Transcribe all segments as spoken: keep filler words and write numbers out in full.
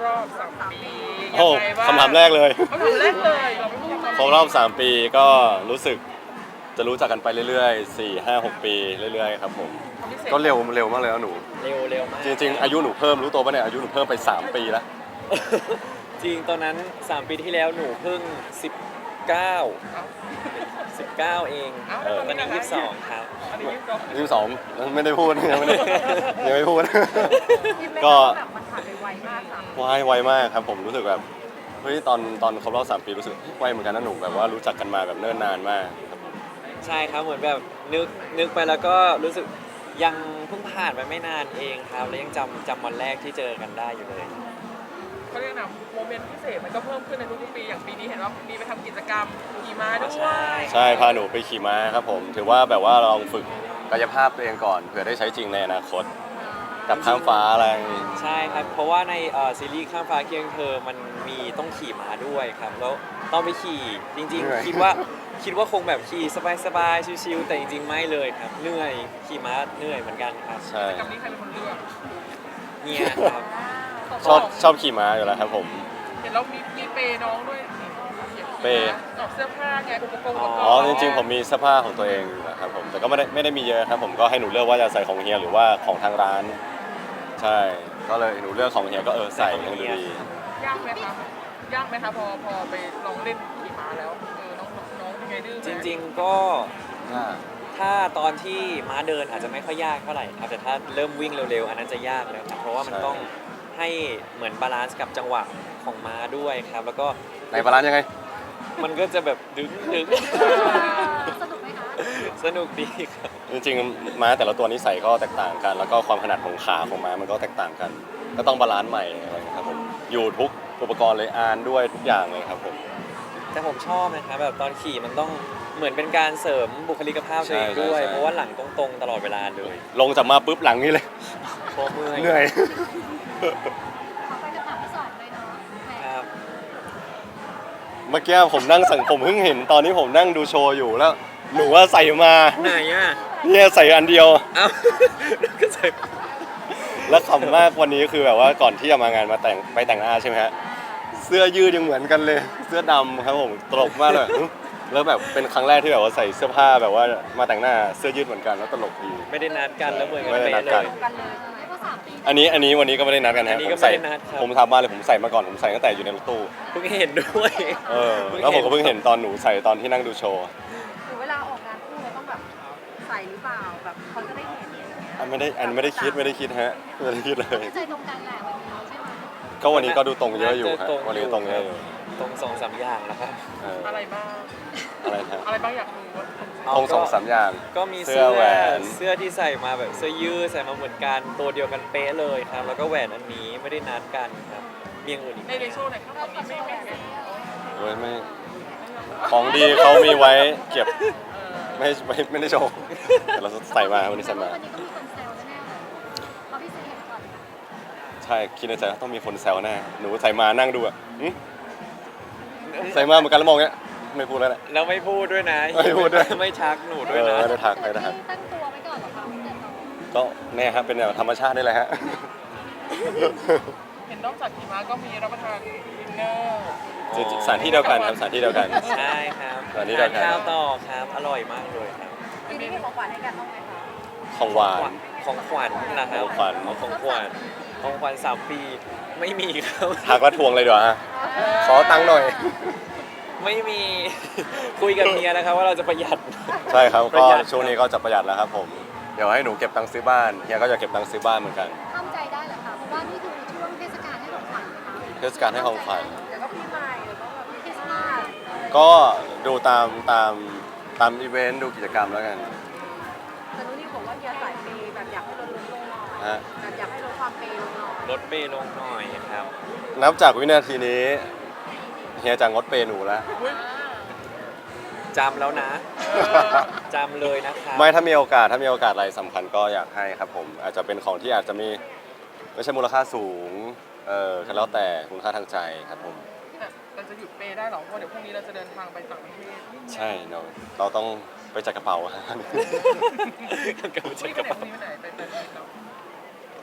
รอบสามปีโอ้คำถามแรกเลยคำถามแรกเลยเราไม่พูดคำถามครบรอบสามปีก็รู้สึกจะรู้จักกันไปเรื่อยๆสี่ ห้า หกปีเรื่อยๆครับผมก็เร็วเร็วมากเลยนะหนูเร็วเร็วมากจริงๆอายุหนูเพิ่มรู้ตัวป่ะเนี่ยอายุหนูเพิ่มไปสามปีแล้วจริงตอนนั้นสามปีที่แล้วหนูเพิ่งสิบเก้า สิบเก้าเองเออตอนนี้ยี่สิบสองครับอันนี้ยี่สิบสองยี่สิบสองไม่ได้พูดยังไม่ได้ยังไม่พูด ก็แบบมันผ่านไปไวมากค่ะไวไวมากครับผมรู้สึกแบบเฮ้ยตอนตอนครบรอบสามปีรู้สึกไวเหมือนกันนะหนูแบบว่ารู้จักกันมาแบบเนิ่นนานมากครับผมใช่ครับเหมือนแบบนึกนึกไปแล้วก็รู้สึกยังเพิ่งผ่านไปไม่นานเองครับแล้วยังจำจำวันแรกที่เจอกันได้อยู่เลยเขาเรียกนะโมเมนต์พิเศษมันก็เพิ่มขึ้นในทุกๆปีอย่างปีนี้เห็นว่ามีไปทำกิจกรรมขี่ม้าด้วใช่ยใช่พาหนูไปขี่ม้าครับผมถือว่าแบบว่าลองฝึกกายภาพตัวเองก่อนเผื่อได้ใช้จริงในอนาคตกับข้ามฟ้าอะไรอย่างงี้ใช่ครับเพราะว่าในเอ่อซีรีส์ข้ามฟ้าเคียงเธอมันมีต้องขี่ม้าด้วยครับแล้วต้องไปขี่จริง ๆ คิดว่าคิดว่าคงแบบขี่สบายๆชิวๆแต่จริงๆไม่เลยครับเหนื่อยขี่ม้าเหนื่อยเหมือนกันครับใช่กิจกรรมนี้ใครเป็นคนเลือกเงียครับชอบชอบขี่ม้าอยู่แล้วครับผมเห็นเรามีมีเปย์น้องด้วยนี่เปย์ออกเสื้อผ้าไงอุปกรณ์อุปกรณ์อ๋อจริงๆผมมีเสื้อผ้าของตัวเองอยู่นะครับผมแต่ก็ไม่ได้ไม่ได้มีเยอะครับผมก็ให้หนูเลือกว่าจะใส่ของเฮียหรือว่าของทางร้าน ใช่ก็เลยหนูเลือกของเฮียก็เออใส่ยังดูดียากไหมคะยากไหมคะพอพอไปลองเล่นขี่ม้าแล้วเออน้องน้องเป็นไงดื้อไหมจริงๆก็ถ้าตอนที่ม้าเดินอาจจะไม่ค่อยยากเท่าไหร่ครับแต่ถ้าเริ่มวิ่งเร็วๆอันนั้นจะยากแล้วครับเพราะว่ามันต้องให้เหมือนบาลานซ์กับจังหวะของม้าด้วยครับแล้วก็ในบาลานซ์ยังไงมันก็จะแบบดึงดึงสนุกไหมคะสนุกดีครับจริงๆม้าแต่ละตัวนิสัยก็แตกต่างกัน แล้วก็ความถนัดของขาของม้ามันก็แตกต่างกัน ก็ต้องบาลานซ์ใหม่อะไรอย่างเงี้ยครับผมอยู่ทุกอุปกรณ์เลยอานด้วยทุกอย่างเลยครับผมแต่ผมชอบนะครับแบบตอนขี่มันต้องเหมือนเป็นการเสริมบุคลิกภาพตัวเองด้วย เพราะว่าหลังตรงๆตลอดเวลาเลยลงจากมาปุ๊บหลังนี่เลยเพราะเมื่อยเหนื่อยขอไปคำถามที่สองเลยเนาะแหมครับเมื่อกี้ผมนั่งสังผมเพิ่งเห็นตอนนี้ผมนั่งดูโชว์อยู่แล้ว หนูว่าใส่มาไหนอ่ะเนี่ยใส่อันเดียวเอ้าก็ใส่แล้วขำมากวันนี้คือแบบว่าก่อนที่จะมางานมาแต่งไปแต่งหน้าใช่ไหมฮะเสื้อยืดยังเหมือนกันเลย เสื้อดำครับผมตลกมากเลยอื้อแล้วแบบเป็นครั้งแรกที่แบบว่าใส่เสื้อผ้าแบบว่ามาแต่งหน้าเสื้อยืดเหมือนกันแล้วตลกดีไม่ได้นัดกันแล้วเหมือนกันไม่ได้เป๊ะนัดเลกันยกันเลยไม่ก็สามปีอันนี้อันนี้วันนี้ก็ไม่ได้นัดกันอัฮะนนี้ผก็มไม่ใส่ได้นัดครับผมทำมาเลยผมใส่มาก่อนผมใส่ตั้งแต่อยู่ในรถตู้เพิ่งเห็นด้วยเออแล้วผมก็เพิ่งเห็นตอนหนูใส่ตอนที่นั่งดูโชว์หรือเวลาออกงานคู่เราต้องแบบใส่หรือเปล่าแบบเขาจะได้เห็นอะไรอย่างเงี้ยอันไม่ได้อันไม่ได้คิดไม่ได้คิดฮะไม่ได้คิดเลยใจตรงกันแหละวันนี้ใช่ไหมก็วันนี้ก็ดูตรงเยอะอยู่ฮะตรงวันนี้ตรงเยอะอยู่ตรงสองสามอย่างแล้วครับเอออะไรบ้างอะไรนะอะไรบ้างอยากรู้ว่าตรงสองสามอย่างก็มีเสื้เสื้ออแหวนเสื้อที่ใส่มาแบบเสื้อยืดใส่มาเหมือนกันตัวเดียวกันเป๊ะเลยครับ แล้วก็แหวนอันนี้ไม่ได้นัดกันครับมีอย่างอื่นอีกไหในมในโชว์ไหนครับตอนนี้ไม่ไม่ไม่โอ้ยไม่ของดีเขามีไว้เก็บไม่ไม่ไม่ได้โชว์แต่เราใส่มาวันนี้ใส่มาวันนี้ก็มีคนแซวแน่ๆเลยเพราะพี่เซเห็นก่อนใช่คิดในใจว่าต้องมีคนแซวแน่หนูใส่มานั่งดูอ่ะหึใส่มาเหมือนกันแล้วมองเงี้ยไม่พูดแล้วแหละแล้วไม่พูดด้วยนะไม่พูดด้วยไม่ชักหนูเอด้วยอนะไม่ได้ทักไม่ได้ทักตั้งตัวไว้ก่อนเหรอคะตั้งแต่น้องก็แน่ครับเป็นแบบธรรมชาตินี่แหละฮะเห็นนอกจากขี่ม้าก็มีรับประทานดินเนอร์จริงๆสถานที่เดียวกันครับสถานที่เดียวกันใช่ครับอันนี้เดียวกันทานข้าวต่อครับอร่อยมากเลยครับปีนี้มีของขวัญให้กันบ้างไหมคะของหวานของขวัญนะครับของขวัญเอาของขวัญของขวัญสามปีไม่มีครับทักแล้วทวงเลยดีกว่าฮะขอตังค์หน่อยไม่มี คุยกับเมียนะครับว่าเราจะประหยัดใช่ครับประก็หยัดช่วงนี้ก็จะประหยัดแล้วครับผมเดี๋ยวให้หนูเก็บตังค์ซื้อบ้านเฮียก็จะเก็บตังค์ซื้อบ้านเหมือนกันห้ามใจได้เหรอคะเพราะว่านี่คือช่วงเทศกาลให้ของขวัญนะคะเทศกาลให้ของขวัญเดี๋ยวก็ปีใหม่เดี๋ยวก็แบบคริสต์มาสก็ดูตามตามตามอีเวนต์ดูกิจกรรมแล้วกันแต่นุ้นี่บอกว่าเฮียสายเปย์แบบอยากให้ลดลงหน่อยฮะแบบอยากให้ลดความเปย์ลงหน่อยลดเปย์ลงหน่อยครับนับจากวินาทีนี้เฮียจะงดเปย์หนูแล้วจำแล้วนะจำเลยนะครับไม่ถ้ามีโอกาสถ้ามีโอกาสอะไรสำคัญก็อยากให้ครับผมอาจจะเป็นของที่อาจจะมีไม่ใช่มูลค่าสูงเออแล้วแต่คุณค่าทางใจครับผมแต่เราจะหยุดเปย์ได้หรอเพราะเดี๋ยวพรุ่งนี้เราจะเดินทางไปต่างประเทศใช่เนาะเราต้องไปจัดกระเป๋ากับนี่จัไปกรไหนเป๋าพรุ่งนี้ไปไหนไปไปไปเรา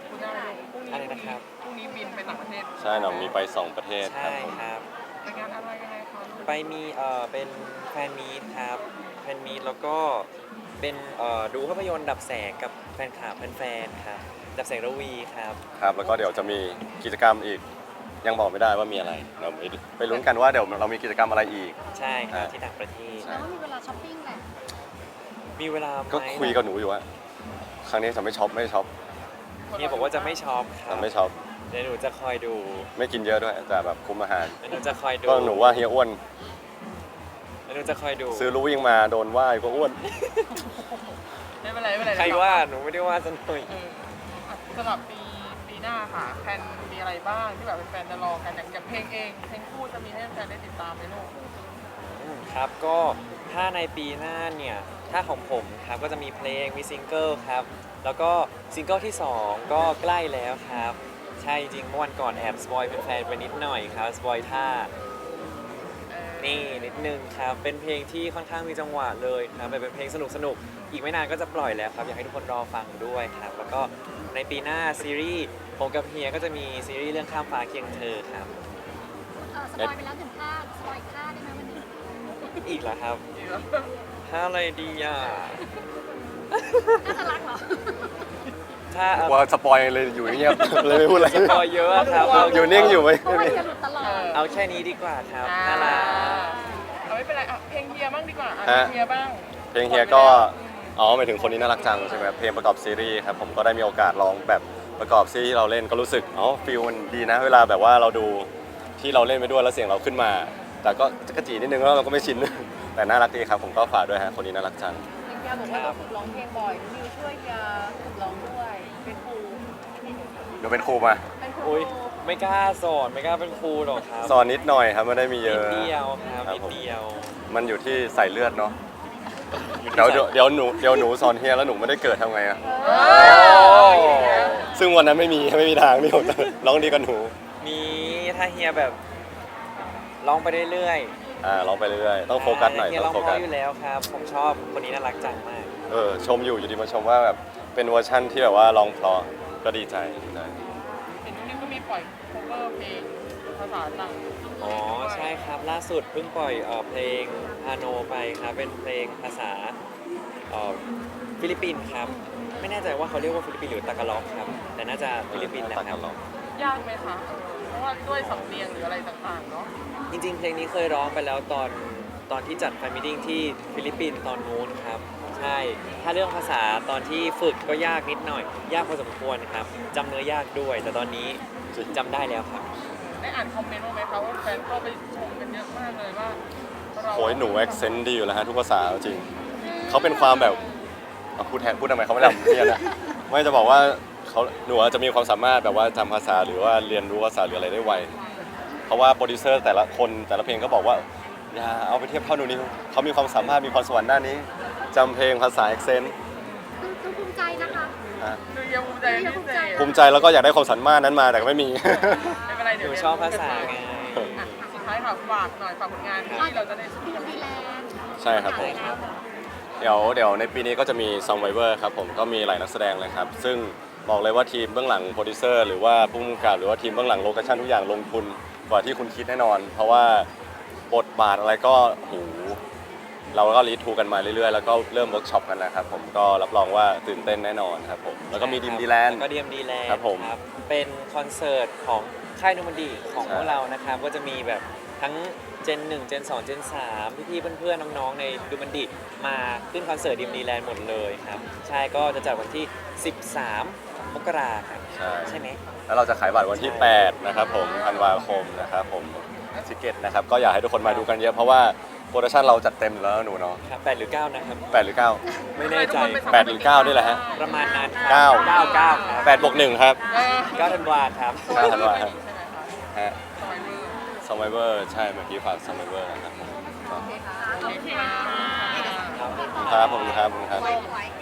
คุณอะไรพรุ่งนี้อะไรนะครับพรุ่งนี้บินไปต่างประเทศใช่หนองมีไปสองประเทศครัใช่บผมครับไปงานอะไรยังไงคะลูกไปมีเอ่อเป็นแฟนมีตครับแฟนมีตแล้วก็เป็นเอ่อดูภาพยนตร์ดับแสงกับแฟนคลับแฟนๆครับดับแสงระวีครับครับแล้วก็เดี๋ยวจะมีกิจกรรมอีกยังบอกไม่ได้ว่ามีอะไรเดี๋ยวไปลุ้นกันว่าเดี๋ยวเรามีกิจกรรมอะไรอีกใช่ครับอ่าที่ต่างประเทศแล้วก็มีเวลาช้อปปิ้งแหละมีเวลาไหมก็คุยกับหนูอยู่ว่าครั้งนี้จะไม่ช็อปไม่ช็อปเฮียบอกว่าจะไม่ช็อปครัจะบไม่ช็อปเดี๋ยวหนูจะคอยดูไม่กินเยอะด้วยแต่แบบคุมอาหารเดี๋ยวหนูจะคอยดูก็หนูว่าเฮียอ้วนเดี๋ยวหนูจะคอยดูซื้อรู้วิ่งมาโดนว่าก็อ้วนไม่เป็นไรไม่เป็นไรใครว่าหนูไม่ได้ว่าสักหน่อยเอออ่ะสำหรับปีปีหน้าค่ะแฟนมีอะไรบ้างที่แบบแฟนๆจะรอกันอย่างอย่างเพลงเองเพลงคู่จะมีให้แฟนได้ติดตามไหมลูกอืมครับก็ถ้าในปีหน้าเนี่ยถ้าของผมครับก็จะมีเพลงมีซิงเกิลครับแล้วก็ซิงเกิลที่สองก็ใกล้แล้วครับใช่จริงเมื่อวันก่อนแอบสปอยเป็นแฟนๆไปนิดหน่อยครับสปอยท่าเออนี่นิดนึงครับเป็นเพลงที่ค่อนข้างมีจังหวะเลยครับเป็นเพลงสนุกสนุกๆอีกไม่นานก็จะปล่อยแล้วครับอยากให้ทุกคนรอฟังด้วยครับแล้วก็ในปีหน้าซีรีส์ผมกับเฮียก็จะมีซีรีส์เรื่องข้ามฟ้าเคียงเธอครับเออสปอยไปแล้วหนึ่งท่าสปอยอีกท่าได้ไหมวันนี้อีกเหรอครับดีแล้วถ้าอะไรดีอ่ะน่าจะรักเหรอถ้ากลัว่าสปอยเลยอยู่เงียบ เลยไม่พูดอะไรสปอยเยอะครับเอาอยู่นิ่งอยู่ไหมเพราะว่าจะหลุดตลอดเอาแค่นี้ดีกว่าครับอ่าน่ารักเอาไม่เป็นไรอ่ะเพลงเฮียบ้างดีกว่าอ่ะฮะเพลงเฮียบ้างเพลงเฮียก็ อ๋อหมายถึงคนนี้น่ารักจังใช่ไหมครับเพลงประกอบซีรีส์ครับผมก็ได้มีโอกาสร้องแบบประกอบซีรีส์ที่เราเล่นก็รู้สึกอ๋อฟีลมันดีนะ เวลาแบบว่าเราดูที่เราเล่นไปด้วยแล้วเสียงเราขึ้นมา แต่ก็จะกระจีนิดนึงแล้วเราก็ไม่ชิน แต่น่ารักดีครับผมก็ฝากด้วยฮะคนนี้น่ารักจังเฮียบอกว่าต้องฝึกร้องเพลงบ่อยนิวช่วยเฮียฝึกร้องด้วย เป็นครูเดี๋ยวเป็นครูมาเป็นครูอุ้ยไม่กล้าสอนไม่กล้าเป็นครูหรอกครับสอนนิดหน่อยครับไม่ได้มีเยนิอะดเดียวครับครับนิดผมเดียวมันอยู่ที่ใส่เลือดเนาะเดี๋ยวเดี๋ยวเดี๋ยวหนูเดี๋ยวหนูสอนเฮียแล้วหนูไม่ได้เกิดทำไงอะเอโอ้อซึ่งวันนั้นไม่มีไม่มีทางพี่ผมร้องดีกันหนูมีถ้าเฮียแบบร้องไปเรื่อยอ่าร้องไปเรื่อยๆๆต้องโฟกัสหน่อยเฮียต้ร้ออง งโฟเพกัสราะอยู่แล้วครับ ผมชอบคนนี้น่ารักจังมากเออชมอยู่อยู่ดีมาชมว่าแบบเป็นเวอร์ชั่นที่แบบว่าร้องเพราะก็ดีใจดีใจเห็นนิวก็มีปล่อย cover เพลงภาษาต่างอ๋อใช่ครับล่าสุดเพิ่งปล่อยเอ่อเพลงฮาโนไปครับเป็นเพลงภาษาเอ่อฟิลิปปินส์ครับไม่แน่ใจว่าเขาเรียกว่าฟิลิปปินส์หรือตากาล็อกครับแต่น่าจะฟิลิปปินส์แหละครับยากไหมคะเออเพราะว่าด้วยสำเนียงหรืออะไรต่างๆเนาะจริงๆ เพลงนี้เคยร้องไปแล้วตอนตอนที่จัดแฟนมิทติ้งที่ฟิลิปปินส์ตอนนู้นครับ ใช่ ถ้าเรื่องภาษาตอนที่ฝึกก็ยากนิดหน่อย ยากพอสมควรครับจำเนื้อยากด้วย แต่ตอนนี้จำได้แล้วครับได้อ่านคอมเมนต์บ้างไหมคะว่าแฟนเข้าไปชมกันเยอะมากเลยว่าเราโอ้ยหนูแอคเซนต์ดีอยู่แล้วฮะทุกภาษาจริงเขาเป็นความแบบเอาพูดแทนพูดทำไมเขาไม่ทำเนี่ยนะไม่จะบอกว่าเขาหนูอาจจะมีความสามารถแบบว่าจำภาษาหรือว่าเรียนรู้ภาษาหรืออะไรได้ไวเพราะว่าโปรดิวเซอร์แต่ละคนแต่ละเพลงก็บอกว่าอย่าเอาไปเทียบเท่าหนูนิวเขามีความสามารถมีความสวรรค์ด้านนี้จำเพลงภาษาแอคเซนต์คือคือภูมิใจนะคะอ่ะดูยังภูมิใจเป็นพิเศษภูมิใจแล้วก็อยากได้ความสามารถนั้นมาแต่ก็ไม่มีไม่เป็นไรหเดี๋ยวนูชอบภาษาไงอ่ะสุดท้ายค่ะฝากหน่อยฝากผลงานที่เราจะได้ชมดีกันดีแลนด์ใช่ครับผม เดี๋ยวเดี๋ยวในปีนี้ก็จะมี Survivor ครับผมก็มีหลายนักแสดงเลยครับ ซึ่งบอกเลยว่าทีมเบื้องหลังโปรดิวเซอร์หรือว่าผู้กำกับหรือว่าทีมเบื้องหลังโลเคชั่นทุกอย่างลงทุนกว่าที่คุณคิดแน่นอน เพราะว่าบทบาทอะไรก็โหเราก็รีทูกันมาเรื่อยๆ แล้วก็เริ่มเวิร์กช็อปกันแล้วครับผมก็รับรองว่าตื่นเต้นแน่นอนครับผมแล้วก็มีดิมดีแลนด์แล้วก็ดีมดีแลนด์ครับผมเป็นคอนเสิร์ตของค่ายนูมันดีของใช่พวกเรานะครับ ก็จะมีแบบทั้งเจนหนึ่งเจนสองเจนสามพี่ๆเพื่อนๆน้องๆในดูมันดีมาขึ้นคอนเสิร์ตดีมดีแลนด์หมดเลยครับ ใช่ก็จะจัดวันที่ สิบสาม มกราครับใช่ใช่ไหมแล้วเราจะขายบัตรวันที่ใช่แปดนะครับผมธันวาคมนะครับผมทิเก็ตนะครับก็อยากให้ทุกคนมาดูกันเยอะเพราะว่าโปรดักชั่นเราจัดเต็มอยู่แล้วหนูเนาะครับแปดหรือเก้านะครับแปดหรือเก้าไม่แน่ใจแปดหรือเก้านี่แหละฮะประมาณนั้นครับเก้าเก้าเก้าครับแปดบวกหนึ่งครับเออเก้าธันวาครับเก้าธันวาครับใช่ไหมคะฮะสมัยมือ Survivor ใช่เมื่อกี้ฝาก Survivor นะครับผมโอเคค่ะโอเคค่ะครับผมครับผมครับไว้ไว้